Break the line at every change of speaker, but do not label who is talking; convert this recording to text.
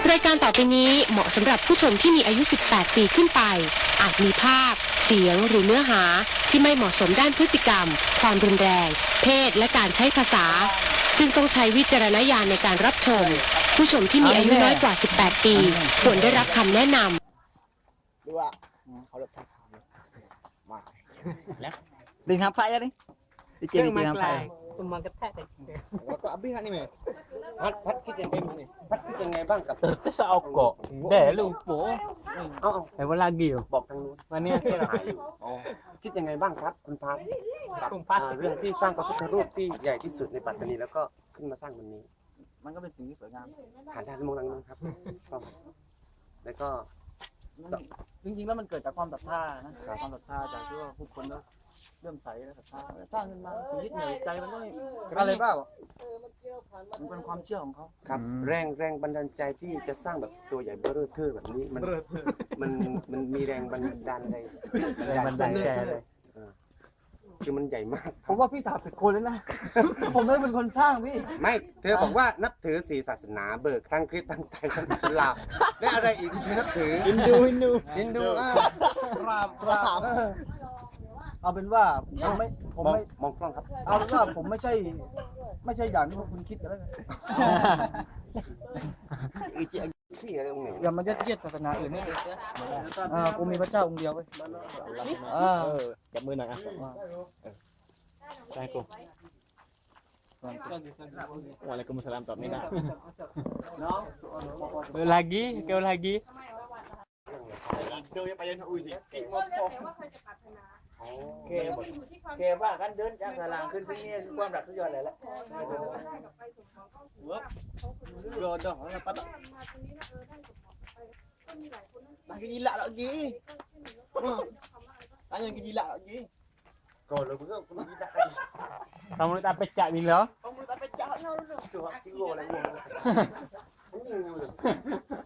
รายการต่อไปนี้เหมาะสำหรับผู้ชมที่มีอายุ 18 ปีขึ้นไป อาจมีภาพ เสียง หรือเนื้อหาที่ไม่เหมาะสมด้านพฤติกรรม ความรุนแรง เพศ และการใช้ภาษา ซึ่งต้องใช้วิจารณญาณในการรับชม ผู้ชมที่มีอายุน้อยกว่า 18 ปี ควรได้รับคำแนะนำ
ดูว่าเขาเลิกท่าขาวมาแล้ว
Đừng hàm phai ra đi. Đi chơi đi chơi hàm phai.
Semua ketat deh.
แล้วก็อับบี้ฮะนี่ไหมพัดคิดยังไงนี่พัดคิดยังไงบ้างกับ
Terus okok. Deh lupa.
เอา
Apa lagi yo?
บอกทางนู้น
Mana yang
ถ่ายอยู่คิดยังไงบ้างครับคุณพัดกับ
คุณพัด
เรื่องที่สร้างพระพุทธรูปที่ใหญ่ที่สุดในปัตตานีแล้วก็ขึ้นมาสร้างวันนี้
มันก็เป็นสิ่งที่สวยงาม
หันด้านมองทางนู้นครับแล้วก็
จริงๆแล้วมันเกิดจากความศรัทธานะความศรัทธาจากที่ว่าผู้คนเริ่มใสและศรัทธาสร้างขึ้นมาสิ่งยึดเหนี่ยวใจมันก็ไม่อะไรบ้างมันเป็นความเชื่อของเขา
ครับแรงบันดาลใจที่จะสร้างแบบตัวใหญ่เบ้อเร่อเทอแบบนี้มันมีแรงบันดาลใจ
Mana yang
คือมันใหญ่มาก
ผมว่าพี่ถามผิดคนเลยนะ ผมไม่ได้เป็นคนสร้างพี่
ไม่เธอบอกว่านับถือสี่ศาสนาเบิกทั้งคริสต์ทั้งไทยทั้งอิสลามและอะไรอีกที่นับถือฮินดู
เอาเป็นว่าผมไม่
มองกล้องครับ
เอาเป็นว่าผมไม่ใช่อย่างที่พวกคุณคิดกันแล้วกัน
อีจีที่อะไรตรงไหน
อย่ามายัดเยียดศาสนาอื่นให้กูมีพระเจ้าองค์เดียวเว้ย
จับมือหน่อยอ่ะ
Assalamualaikum. Waalaikumsalam Tok Mina. Lagi, kau lagi.
เดินไปยังอุ้ยสิกิมอพอ
แกว่ากันเดินจากสลางขึ้นที่นี่คือความรักสุดยอดเลยแหละโดนดอกนะปะlagi gila lagi tanya lagi gila lagi
ก่อนเลยคุณก็คุณกีตาร์
Kamu tak pecah bila?
kamu tak pecah no
tuh ที่โง่อะไรโง่